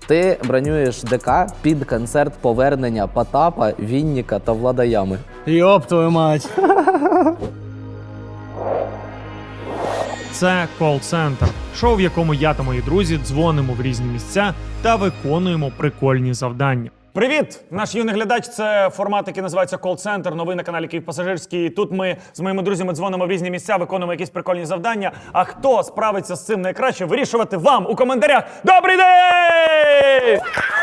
Ти бронюєш ДК під концерт повернення Потапа, Вінніка та Влада Ями. Йоп твою мать. Це кол-центр. Шоу, в якому я та мої друзі дзвонимо в різні місця та виконуємо прикольні завдання. Привіт! Наш юний глядач – це формат, який називається «Кол-центр», новий на каналі «Київ Пасажирський». Тут ми з моїми друзями дзвонимо в різні місця, виконуємо якісь прикольні завдання. А хто справиться з цим найкраще, вирішувати вам у коментарях. Добрий день!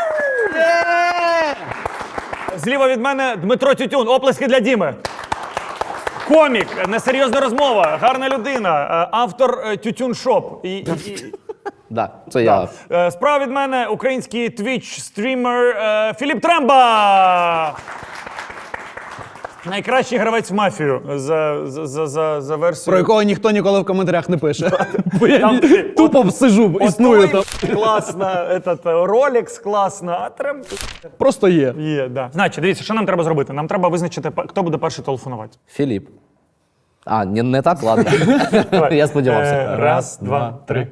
Зліва від мене Дмитро Тютюн. Оплески для Діми. Комік, несерйозна розмова, гарна людина, автор Тютюн Шоп. Да, це я. Справа від мене український твіч-стрімер Філіп Тремба. Найкращий гравець в мафію за версією. Про якого ніхто ніколи в коментарях не пише. Бо я Там- тупо сижу, існую там. Класно, Rolex класно, а Тремб Просто є. є, да. Значить, дивіться, що нам треба зробити? Нам треба визначити, хто буде перший телефонувати. Філіп. А, не так, ладно. Я сподівався. Раз, два, три.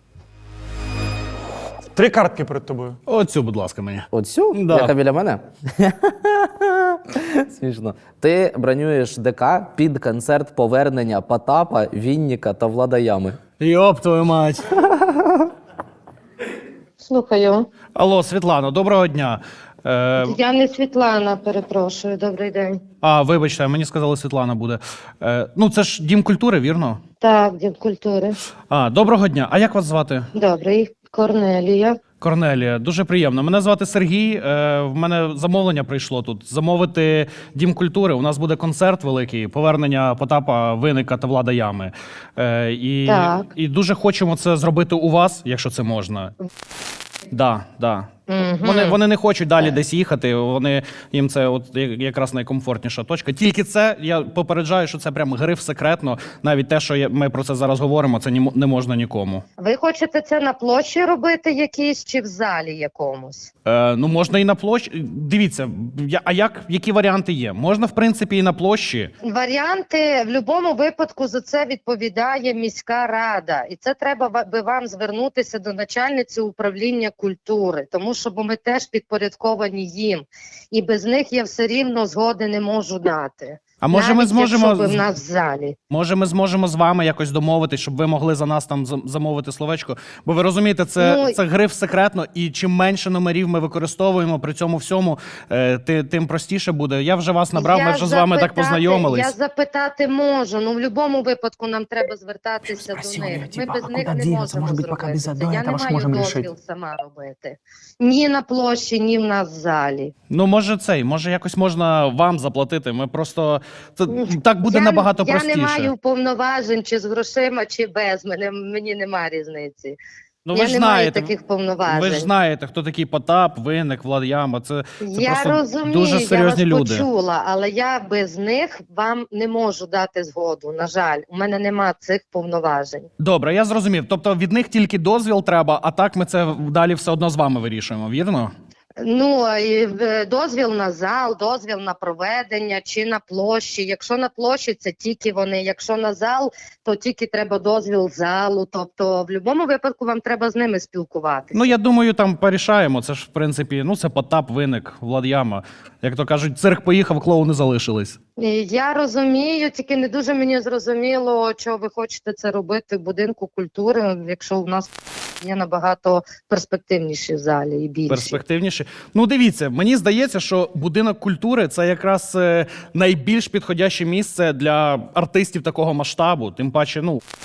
3 картки перед тобою. Оцю, будь ласка, мені. Оцю? Да. Яка біля мене? Смішно. Ти бронюєш ДК під концерт повернення Потапа, Вінніка та Влада Ями. Йоп твою мать. Слухаю. Алло, Світлано, доброго дня. Я не Світлана, перепрошую. Добрий день. Вибачте, мені сказали, Світлана буде. Ну, це ж Дім культури, вірно? Так, Дім культури. Доброго дня. А як вас звати? Добрий. Корнелія. Корнелія, дуже приємно. Мене звати Сергій. В мене замовлення прийшло тут. Замовити Дім культури. У нас буде концерт великий, повернення Потапа, Винника та Влада Ями. Так. І дуже хочемо це зробити у вас, якщо це можна. Да. Вони не хочуть далі десь їхати. Їм це от якраз найкомфортніша точка. Тільки це я попереджаю, що це прям гриф секретно. Навіть те, що ми про це зараз говоримо, це не можна нікому. Ви хочете це на площі робити якійсь чи в залі якомусь? Ну можна і на площі. Дивіться, які варіанти є? Можна в принципі і на площі. Варіанти в будь-якому випадку за це відповідає міська рада. І це треба би вам звернутися до начальниці управління культури, тому що ми теж підпорядковані їм. І без них я все рівно згоди не можу дати. А може ми зможемо якщо в нас в залі. Може, ми зможемо з вами якось домовитись, щоб ви могли за нас там замовити словечко? Бо ви розумієте, це гриф секретно, і чим менше номерів ми використовуємо при цьому всьому, тим простіше буде. Я вже вас набрав, ми вже з вами так познайомились. Я запитати можу, ну в будь-якому випадку нам треба звертатися до них. Ми без них не можемо зробити це. Я не маю дозвіл сама робити. Ні на площі, ні в нас в залі. Ну, може якось можна вам заплатити. Ми просто... Так буде набагато простіше. Я не маю повноважень чи з грошима, чи без. Мені нема різниці. Ну, я не маю таких повноважень. Ви ж знаєте, хто такий Потап, Винник, Влад Яма. Це я просто розумію, дуже серйозні я вас люди. почула, але я без них вам не можу дати згоду. На жаль, у мене нема цих повноважень. Добре, я зрозумів. Тобто від них тільки дозвіл треба, а так ми це далі все одно з вами вирішуємо, вірно? Ну, дозвіл на зал, дозвіл на проведення чи на площі. Якщо на площі, це тільки вони. Якщо на зал, то тільки треба дозвіл залу. Тобто, в будь-якому випадку вам треба з ними спілкуватися. Ну, я думаю, там порішаємо. Це ж, в принципі, це Потап, Винник, Влад Яма. Як то кажуть, цирк поїхав, клоуни залишились. Я розумію, тільки не дуже мені зрозуміло, чого ви хочете це робити в будинку культури, якщо у нас є набагато перспективніші залі і більші. Перспективніші. Ну, дивіться, мені здається, що будинок культури – це якраз найбільш підходяще місце для артистів такого масштабу. Тим паче,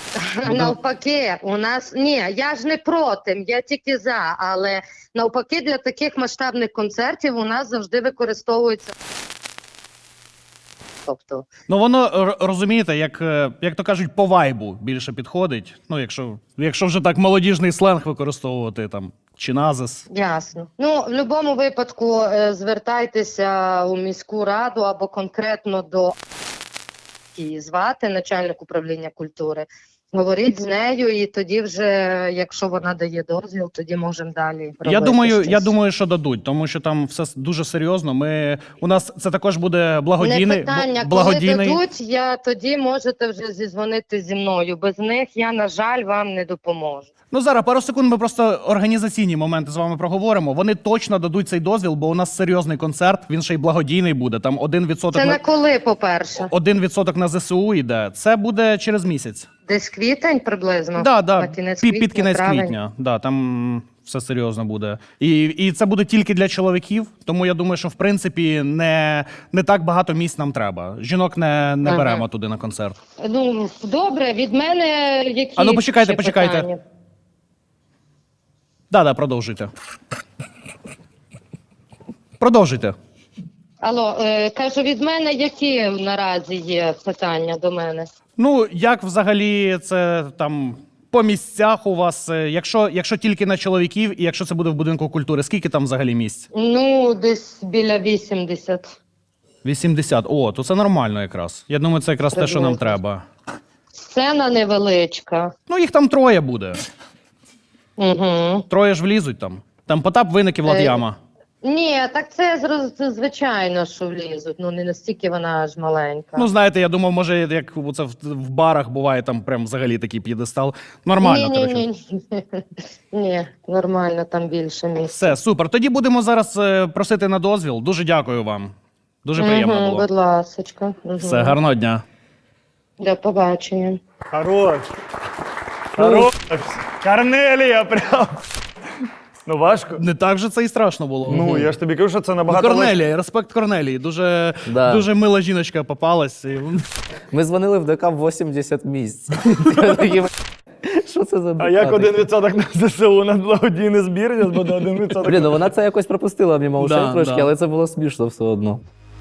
Навпаки, у нас... Ні, я ж не проти, я тільки за, але навпаки для таких масштабних концертів у нас завжди використовується... Тобто... Ну, воно, розумієте, як то кажуть, по вайбу більше підходить. Ну, якщо вже так молодіжний сленг використовувати, там, чи назис. Ясно. Ну, в будь-якому випадку звертайтеся у міську раду або конкретно до її звати, начальник управління культури. Говоріть з нею, і тоді вже, якщо вона дає дозвіл, тоді можемо далі робити Я щось. думаю, що дадуть, тому що там все дуже серйозно. У нас це також буде Не благодійний. питання, благодійний... коли дадуть, тоді можете вже зізвонити зі мною. Без них я, на жаль, вам не допоможу. Ну, зараз пару секунд ми просто організаційні моменти з вами проговоримо. Вони точно дадуть цей дозвіл, бо у нас серйозний концерт, він ще й благодійний буде. Там 1% Це на коли, по-перше? 1% на ЗСУ йде. Це буде через місяць. Десь квітень приблизно? Да, На кінець квітня, під кінець травень? квітня. Да, там все серйозно буде. І це буде тільки для чоловіків, тому я думаю, що в принципі не так багато місць нам треба. Жінок не беремо туди на концерт. Ну, добре, від мене які А ну, почекайте, ще почекайте. питання? Да, продовжуйте. Продовжуйте. Алло, кажу, від мене які наразі є питання до мене? Ну, як взагалі це там по місцях у вас, якщо тільки на чоловіків, і якщо це буде в будинку культури, скільки там взагалі місць? Ну, десь біля 80. 80. О, то це нормально якраз. Я думаю, це якраз те, що нам Приблизно. треба. Сцена невеличка. Ну, їх там 3 буде. Угу. 3 ж влізуть там. Там Потап, Виник і Влад Яма. Ні, так це звичайно, що влізуть. Ну, не настільки вона аж маленька. Ну, знаєте, я думав, може, як це в барах буває, там прям взагалі такий п'єдестал. Нормально, коротше. Ні, нормально, там більше місця. Все, супер. Тоді будемо зараз просити на дозвіл. Дуже дякую вам. Дуже приємно було. Будь ласочка. Все, гарного дня. До побачення. Хорош. Хорош. Корнелія прям. Ну, важко. Не так же це і страшно було. Ну, я ж тобі кажу, що це набагато Корнелія, респект Корнелії. Дуже мила жіночка попалась. Ми дзвонили в ДК в 80 місць. Я такий, що це за ДК? А як таке? 1% на ЗСУ на благодійний збір, зараз буде 1%. Блін, ну вона це якось пропустила мимо ушей Да, трошки, да. але це було смішно все одно.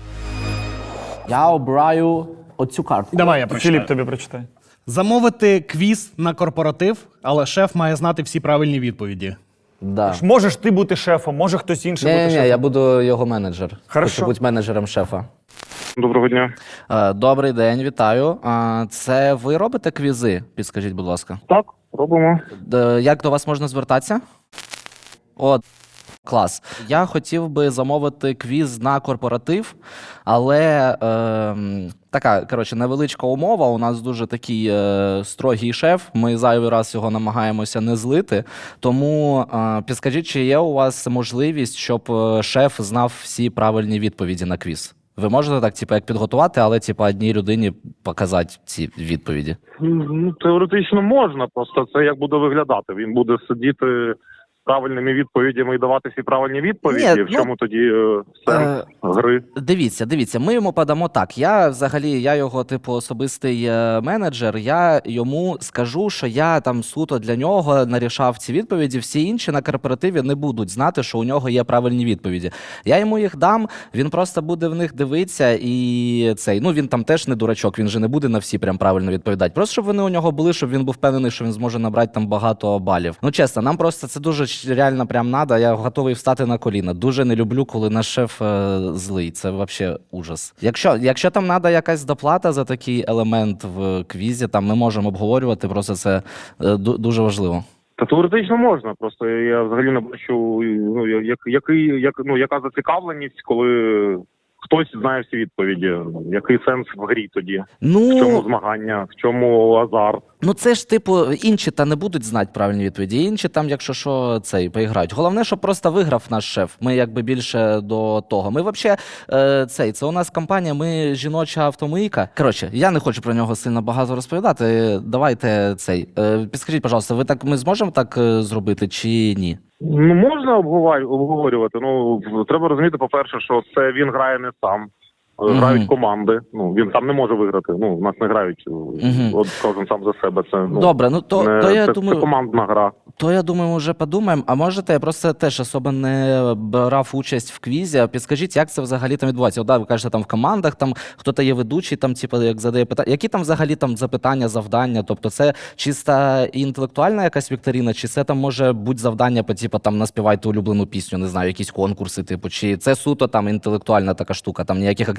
Я обираю оцю картку. Давай я прочитаю. Філіп тобі прочитай. Замовити квіз на корпоратив, але шеф має знати всі правильні відповіді. Да. Можеш ти бути шефом, може хтось інший бути Ні, шефом. я буду його менеджер. Хорошо. Хочу бути менеджером шефа. Доброго дня. Добрий день, вітаю. Це ви робите квізи? Підскажіть, будь ласка. Так, робимо. Як до вас можна звертатися? О, клас. Я хотів би замовити квіз на корпоратив, але така, коротше, невеличка умова. У нас дуже такий строгий шеф. Ми зайвий раз його намагаємося не злити. Тому підскажіть, чи є у вас можливість, щоб шеф знав всі правильні відповіді на квіз? Ви можете так, типу, як підготувати, але типу, одній людині показати ці відповіді? Ну, теоретично можна, просто це як буде виглядати. Він буде сидіти з правильними відповідями і давати всі правильні відповіді. Ні, В чому тоді сенс гри? Дивіться, ми йому подамо так. Я його, типу, особистий менеджер. Я йому скажу, що я там суто для нього нарішав ці відповіді. Всі інші на корпоративі не будуть знати, що у нього є правильні відповіді. Я йому їх дам, він просто буде в них дивитися і цей. Ну він там теж не дурачок, він же не буде на всі прям правильно відповідати. Просто щоб вони у нього були, щоб він був впевнений, що він зможе набрати там багато балів. Ну чесно, нам просто це дуже реально прям надо. Я готовий встати на коліна. Дуже не люблю, коли наш шеф злий. Це взагалі ужас. Якщо там треба якась доплата за такий елемент в квізі, там ми можемо обговорювати. Просто це дуже важливо. Та теоретично можна. Просто я взагалі не бачу, ну, яка зацікавленість, коли хтось знає всі відповіді. Який сенс в грі тоді? В чому змагання? В чому азарт? Ну це ж типу інші та не будуть знати правильні відповіді. Інші там, якщо що, поіграють. Головне, щоб просто виграв наш шеф. Ми якби більше до того. Ми взагалі це у нас компанія, ми жіноча автомийка. Коротше, я не хочу про нього сильно багато розповідати. Давайте підскажіть, пожалуйста, ми зможемо так зробити чи ні? Ну, можна обговорювати. Ну, треба розуміти, по-перше, що це він грає не сам. Грають команди. Ну, він сам не може виграти. Ну, в нас не грають. От кожен сам за себе. Це, ну, добре, ну то я думаю, це командна гра. То я думаю, вже подумаємо. А можете, я просто теж особо не брав участь в квізі. Підскажіть, як це взагалі там відбувається? От, да, ви кажете, там в командах, там хто-то є ведучий, там типу, як задає питання. Які там взагалі там запитання, завдання? Тобто це чисто інтелектуальна якась вікторина, чи це там може бути завдання по типу там наспівайте улюблену пісню, не знаю, якісь конкурси, типу, чи це суто там інтелектуальна така штука, там ніяких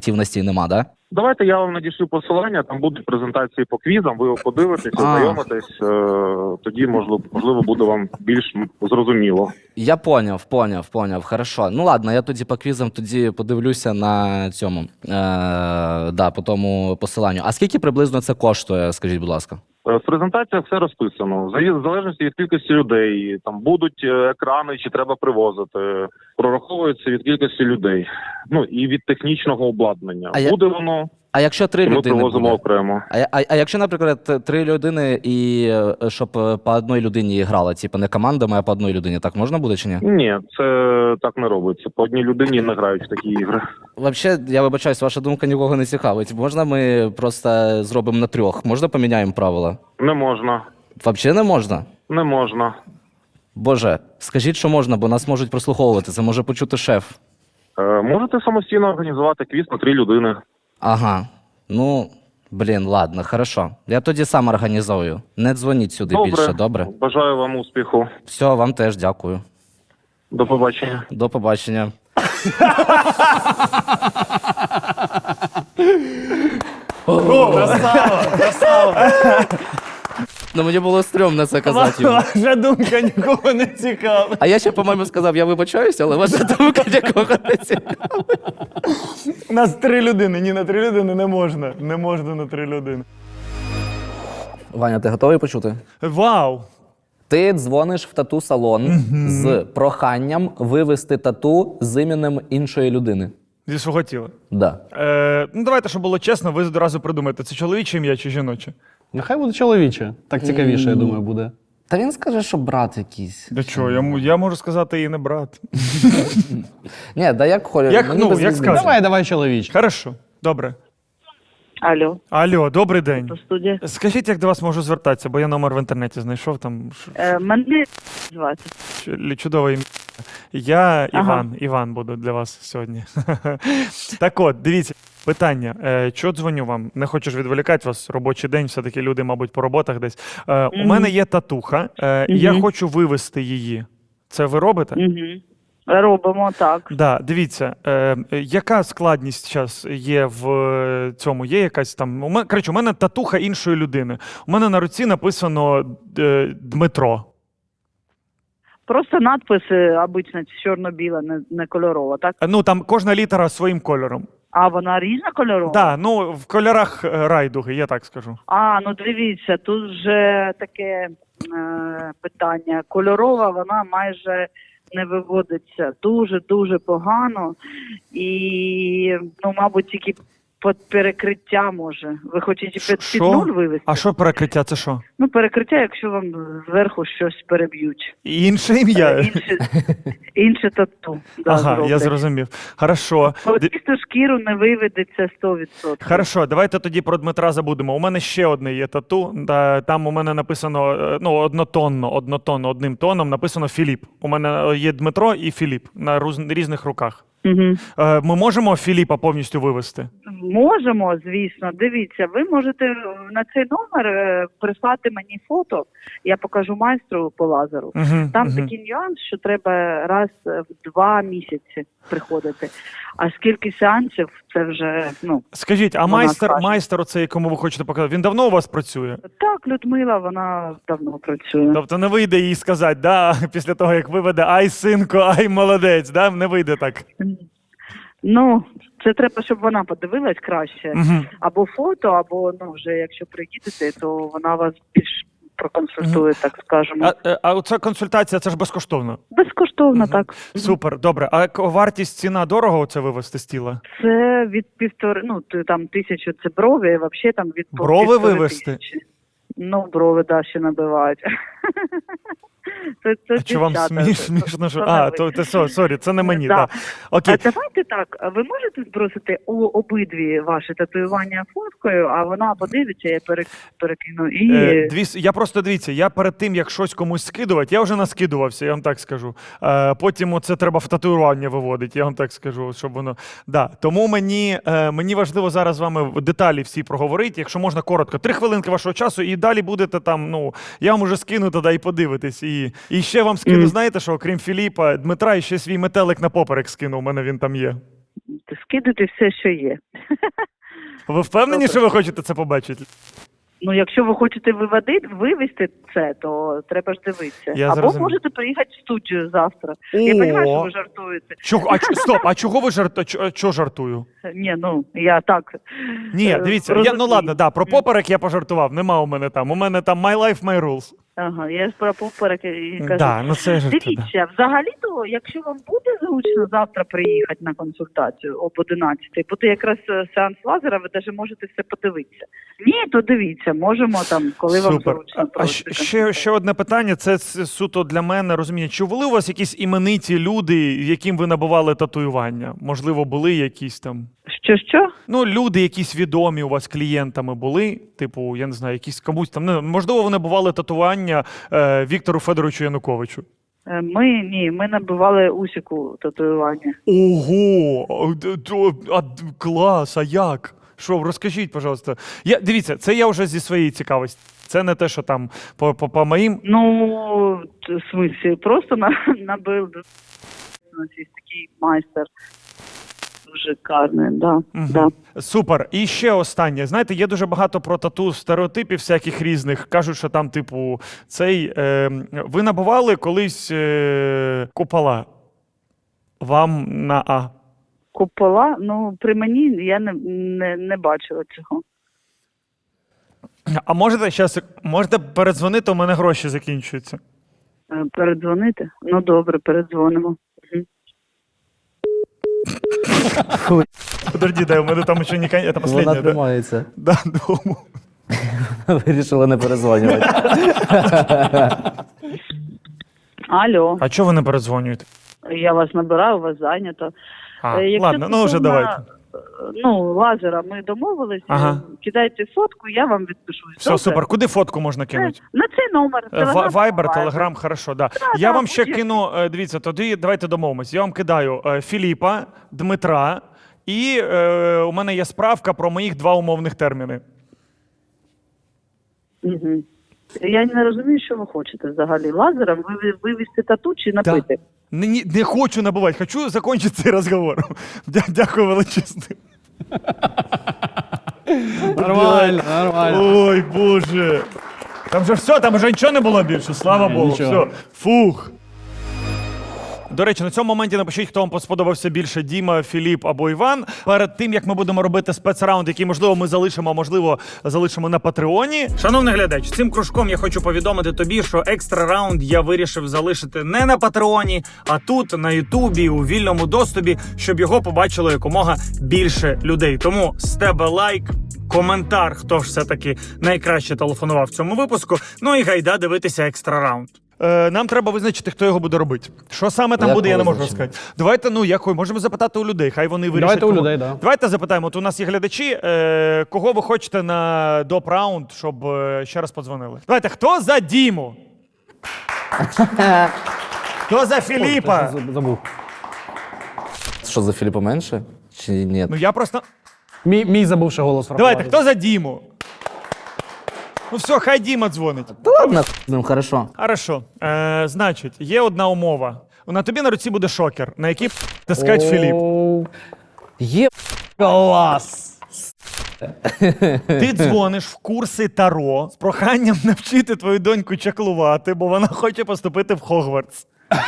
активності нема, да? Давайте я вам надішлю посилання, там будуть презентації по квізам, ви його подивитесь, ознайомитесь, тоді, можливо, буде вам більш зрозуміло. Я поняв. Хорошо. Ну ладно, я тоді по квізам тоді подивлюся на цьому, по тому посиланню. А скільки приблизно це коштує, скажіть, будь ласка? В презентаціях все розписано. В залежності від кількості людей, там будуть екрани, чи треба привозити. Прораховується від кількості людей. Ну і від технічного обладнання. Буде воно, А якщо 3 і ми людини привозимо буде? окремо. А якщо, наприклад, 3 людини і щоб по одній людині грала, типу не командами, а по одній людині, так можна буде чи ні? Ні, це так не робиться. По одній людині не грають в такі ігри. Взагалі, я вибачаюсь, ваша думка нікого не цікавить. Можна ми просто зробимо на 3? Можна поміняємо правила? Не можна. Взагалі не можна? Не можна. Боже, скажіть, що можна, бо нас можуть прослуховувати, це може почути шеф. Можете самостійно організувати квіз на 3 людини. Ага, ну, блін, ладно, хорошо. Я тоді сам організую. Не дзвоніть сюди більше, добре? Бажаю вам успіху. Все, вам теж дякую. До побачення. До побачення. Ну мені було стрьомно це казати йому. Ваша думка нікого не цікавить. А я ще, по-моєму, сказав, я вибачаюся, але ваша думка нікого не цікавить. У нас 3 людини. Ні, на 3 людини не можна. Не можна на 3 людини. Ваня, ти готовий почути? Вау! Ти дзвониш в тату-салон з проханням вивести тату з іменем іншої людини. Зі свого тіла. Да. Ну, давайте, щоб було чесно, ви одразу придумаєте, це чоловіче ім'я чи жіноче? Нехай буде чоловіче. Так цікавіше, я думаю, буде. Та він скаже, що брат якийсь. Для чого? Я можу сказати і не брат. Ні, да як хочеш. Як, мені ну, без як різниці. скажеш. Давай чоловіче. Хорошо, добре. Алло, Алло, добрий день. до студія. Скажіть, як до вас можу звертатися, бо я номер в інтернеті знайшов там. Мене звати. Чудове ім'я. Я Ага. Іван буду для вас сьогодні. Так от, дивіться, питання. Чого дзвоню вам? Не хочу ж відволікати вас, робочий день, все-таки люди, мабуть, по роботах десь. У мене є татуха, і я хочу вивести її. Це ви робите? Угу. Робимо так. Да, дивіться, яка складність зараз є в цьому? Є якась там. У мене татуха іншої людини. У мене на руці написано Дмитро. Просто надписи обично чорно-біла, не кольорова, так? Ну там кожна літера своїм кольором. А вона різнокольорова? Так, ну в кольорах райдуги, я так скажу. Ну дивіться, тут вже таке питання. Кольорова, вона майже не виводиться. Дуже-дуже погано. І, мабуть, тільки під перекриття може. Ви хочете під нуль вивести? А що перекриття? Це що? Перекриття, якщо вам зверху щось переб'ють. Інше ім'я? Інше тату. Ага, я зрозумів. Хорошо. Чисту шкіру не виведеться 100%. Хорошо, давайте тоді про Дмитра забудемо. У мене ще одне є тату. Там у мене написано однотонно, одним тоном написано Філіп. У мене є Дмитро і Філіп на різних руках. Угу. Ми можемо Філіпа повністю вивести? Можемо, звісно. Дивіться, ви можете на цей номер прислати мені фото, я покажу майстру по лазеру. Там такий нюанс, що треба раз в 2 місяці приходити. А скільки сеансів, це вже, Скажіть, а майстер оцей, якому ви хочете показати, він давно у вас працює? Так, Людмила, вона давно працює. Тобто не вийде їй сказати, да, після того, як виведе, ай, синко, ай, молодець, да? Не вийде так? Це треба, щоб вона подивилась краще. Або фото, або, вже якщо приїдете, то вона вас більш проконсультує, так скажемо. А оця консультація, це ж безкоштовно? Безкоштовно, так. Супер, добре. А вартість, ціна дорого оце вивести з тіла? Це від 1,5, там 1000 це брови, а взагалі там від Брови вивести? 1000. Брови, ще набивають. А чи вам смішно? Сорі, це не мені. Да. Окей. А давайте так, ви можете збросити обидві ваші татуювання фоткою, а вона подивиться, я перекину. Я просто, дивіться, я перед тим, як щось комусь скидувати, я вже наскидувався, я вам так скажу. Потім це треба в татуювання виводити, я вам так скажу, щоб воно... Да. Тому мені важливо зараз з вами деталі всі проговорити, якщо можна коротко. 3 хвилинки вашого часу, і далі будете там, я вам уже скину тоді і подивитись. І ще вам скину, знаєте що, окрім Філіпа, Дмитра, і ще свій метелик на поперек скину, у мене він там є. скидуйте все, що є. Ви впевнені, що ви хочете це побачити? Ну, якщо ви хочете вивести це, то треба ж дивитися. Я Або зрозумів. можете приїхати в студію завтра. Я розумію, що ви жартуєте. Стоп, а чого ви чого жартую? Ні, ну, я так. Ні, дивіться, ну ладно, да, про поперек я пожартував, нема у мене там. У мене там my life, my rules. Ага, я ж про поперек і кажу. Да, ну це ж Дивіться, взагалі-то, якщо вам буде зручно завтра приїхати на консультацію об 11-й, буде якраз сеанс лазера, ви навіть можете все подивитися. Ні, то дивіться, можемо там, коли вам Супер. зручно. А ще одне питання, це суто для мене розуміння. Чи були у вас якісь імениті люди, яким ви набували татуювання? Можливо, були якісь там... Що? Ну, люди якісь відомі у вас клієнтами були, типу, я не знаю, якісь комусь там, ну, можливо, вони набували татуювання Віктору Федоровичу Януковичу. Ми набивали Усіку татуювання. Ого! Клас, а як? Що, розкажіть, пожалуйста. Дивіться, це я вже зі своєї цікавості. Це не те, що там по моїм... Ну, в смислі, просто набив. У нас є такий майстер. Дуже карний, да. Да. Супер. І ще останнє. Знаєте, є дуже багато про тату стереотипів всяких різних. Кажуть, що там, типу, ви набували колись купола. Вам на А. Купола? Ну, при мені я не бачила цього. А можете передзвонити, у мене гроші закінчуються. Передзвонити? Ну, добре, передзвонимо. Подожди, дай, у мене там ще не це останнє, Вона да? тримається. Да, дому. Вирішила не перезвонювати. Алло, А чого ви не передзвонюєте? я вас набираю, у вас зайнято. Якщо Ладно, ну вже стосовно, давайте. Ну, лазера ми домовились. Ага. Кидайте фотку, я вам відпишусь. Все, супер. Куди фотку можна кинути? На цей номер. Viber, Telegram, хорошо, да. Я вам ще будь-який. кину, дивіться, тоді давайте домовимось. Я вам кидаю Філіпа, Дмитра, і у мене є справка про моїх 2 умовних терміни. Угу. Я не розумію, що ви хочете взагалі. Лазером вивести тату чи напити? Не хочу набувати, хочу закінчити цей розговор. Дякую величезне. Нормально, нормально. Ой, Боже. Там же все, там вже нічого не було більше, слава Богу. нічого. Все. Фух. До речі, на цьому моменті напишіть, хто вам сподобався більше: Діма, Філіп або Іван. Перед тим, як ми будемо робити спецраунд, який, можливо, ми залишимо, а можливо, залишимо на Патреоні. Шановний глядач, цим кружком я хочу повідомити тобі, що екстра раунд я вирішив залишити не на Патреоні, а тут, на Ютубі, у вільному доступі, щоб його побачило якомога більше людей. Тому з тебе лайк, коментар, хто ж все-таки найкраще телефонував в цьому випуску. Ну і гайда дивитися екстра раунд. Нам треба визначити, хто його буде робити. Що саме там Як буде, я не можу визначимо? розказати. Давайте, можемо запитати у людей, хай вони вирішать. Давайте у кого. людей, да. Давайте запитаємо. От у нас є глядачі, кого ви хочете на доп-раунд, щоб ще раз подзвонили. Давайте, хто за Діму? Хто за Філіпа? Забув. Що, за Філіпа менше? Чи ні? Ну я просто... Мій забувши голос врахувати. Давайте, хто за Діму? Ну все, хай Діма дзвонить. Та ладно, з ним, хорошо. Хорошо. Значить, є одна умова. На тобі на руці буде шокер, на який тискать Філіп. Є Клас! Ти дзвониш в курси Таро з проханням навчити твою доньку чаклувати, бо вона хоче поступити в Хогвартс.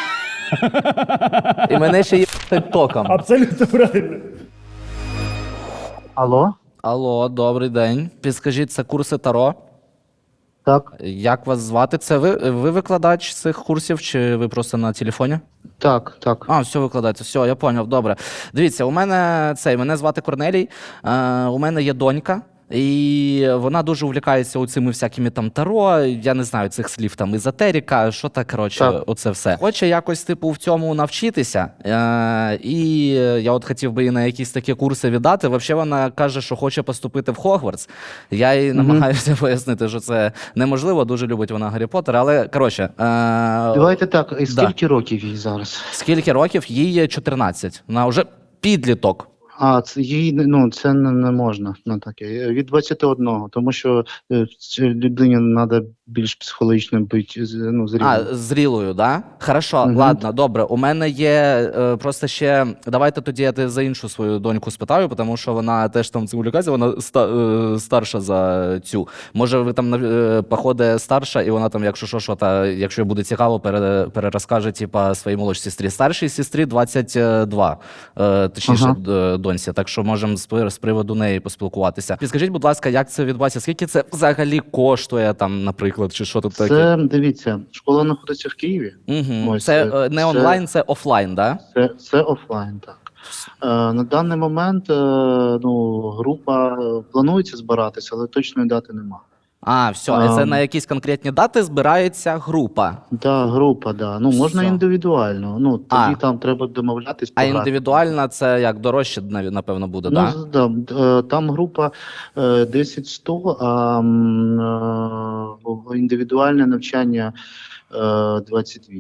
і мене ще є током. Абсолютно правильно. Алло? Алло, добрий день. Підскажіть, це курси Таро? Так, Як вас звати? Це ви викладач цих курсів, чи ви просто на телефоні? так, так. А, все викладається, все, я поняв, добре. Дивіться, мене звати Корнелій, у мене є донька, і вона дуже увлікається цими всякими там таро, я не знаю цих слів, там езотерика, що так, коротше, Так. оце все. Хоче якось, типу, в цьому навчитися, і я от хотів би її на якісь такі курси віддати. Взагалі вона каже, що хоче поступити в Хогвартс. Я їй намагаюся пояснити, що це неможливо, дуже любить вона Гаррі Поттера, але, коротше... Давайте так, і скільки років їй зараз? Скільки років? Їй 14. Вона вже підліток. Це їй, це не можна на таке. Від 21, тому що людині треба більш психологічно бути зрілою. Зрілою, да? Хорошо, ладно, добре. У мене є просто ще. Давайте тоді я за іншу свою доньку спитаю, тому що вона теж там в цьому ліказі, вона старша за цю. Може, ви там походи старша, і вона там, якщо буде цікаво, перерозкаже своїй молодшій сестрі. Старшій сестрі 22, точніше, доньці. Так що можемо з приводу неї поспілкуватися. Підскажіть, будь ласка, як це відбувається? Скільки це взагалі коштує, там, наприклад, чи що тут таке? Це, дивіться, школа знаходиться в Києві. Ось, це не онлайн, це офлайн, да? Це офлайн, так. На даний момент група планується збиратися, але точної дати нема. Все, це на якісь конкретні дати збирається група? Так, група, да. Можна індивідуально, тоді там треба домовлятись. А індивідуальна це як дорожче, напевно, буде, так? Там група 10-100, а індивідуальне навчання 28.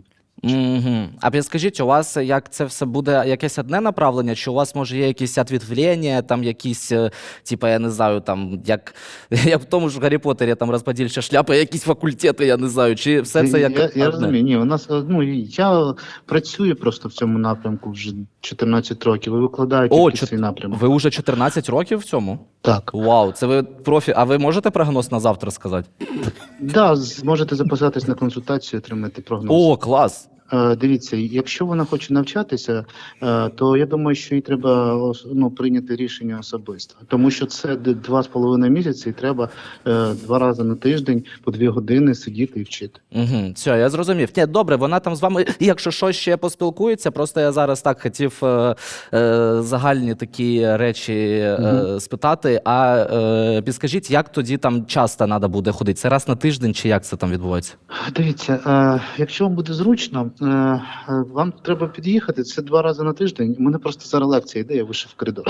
А підскажіть, у вас як це все буде якесь одне направлення, чи у вас може є якісь відвлення, там якісь, я не знаю, там як в тому ж Гаррі Поттері, там розподільча шляпа, якісь факультети, я не знаю, чи все це як я розумію, ні, у нас, я працюю просто в цьому напрямку вже 14 років, і викладаю тільки цей напрямок. Ви вже 14 років в цьому? Так. Вау, це ви профі. А ви можете прогноз на завтра сказати? Так, зможете записатись на консультацію, отримати прогноз. Клас! Дивіться, якщо вона хоче навчатися, то я думаю, що їй треба прийняти рішення особисто. Тому що це 2,5 місяці і треба 2 рази на тиждень по 2 години сидіти і вчити. Все, я зрозумів. Ні, добре, вона там з вами, якщо що, ще поспілкується, просто я зараз так хотів загальні такі речі спитати. А підскажіть, як тоді там часто треба буде ходити? Це раз на тиждень чи як це там відбувається? Дивіться, якщо вам буде зручно, вам треба під'їхати, це 2 рази на тиждень. У мене просто зараз лекція йде, я вийшов в коридор.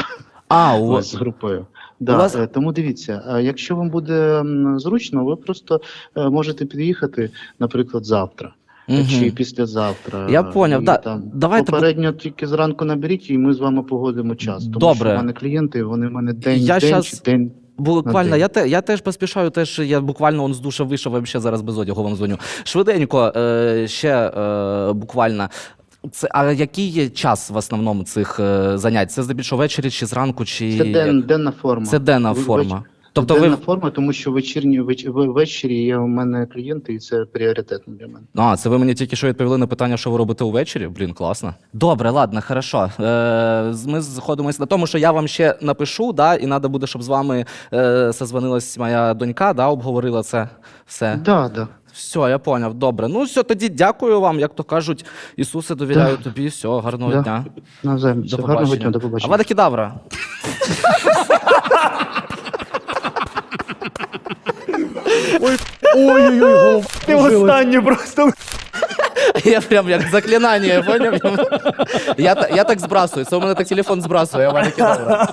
З групою. Тому дивіться, якщо вам буде зручно, ви просто можете під'їхати, наприклад, завтра. Чи післязавтра. Я поняв, давайте попередньо тільки зранку наберіть, і ми з вами погодимо час. Тому що в мене клієнти, вони в мене день. Буквально, я теж поспішаю, я буквально з душа вийшов, взагалі зараз без одягу вам дзвоню. Швиденько, ще буквально. А який є час в основному цих занять? Це здебільшого ввечері чи зранку? Чи... Це денна форма. Це денна форма. Тобто денна форма, тому що ввечері є у мене клієнти, і це пріоритетно для мене. Це ви мені тільки що відповіли на питання, що ви робите увечері? Блін, класно. Добре, ладно, хорошо. Ми сходимося на тому, що я вам ще напишу, і треба буде, щоб з вами созвонилась моя донька, обговорила це все. Так. Все, я поняв, добре. Все, тоді дякую вам, як то кажуть, Ісусе, довіряю тобі, все, гарного дня. Навзаєм, гарного дня, до побачення. Авада Кедавра. Ой-ой-ой, Ти останнє просто. Я прям як заклинання, поняв? Я так збрасую, це у мене так телефон збрасує, Авада Кедавра.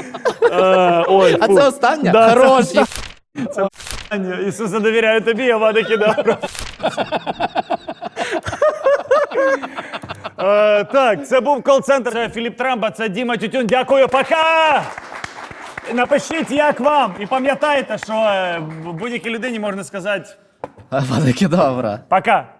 А це останнє? Хорош. Це Ісусе, довіряю тобі, Авада Кедавра. Так, це був кол-центр. Це Філіп Трамба, це Діма Тютюн. Дякую, пока! Напишіть, як вам. І пам'ятайте, що будь-якій людині можна сказати Авада Кедавра. пока.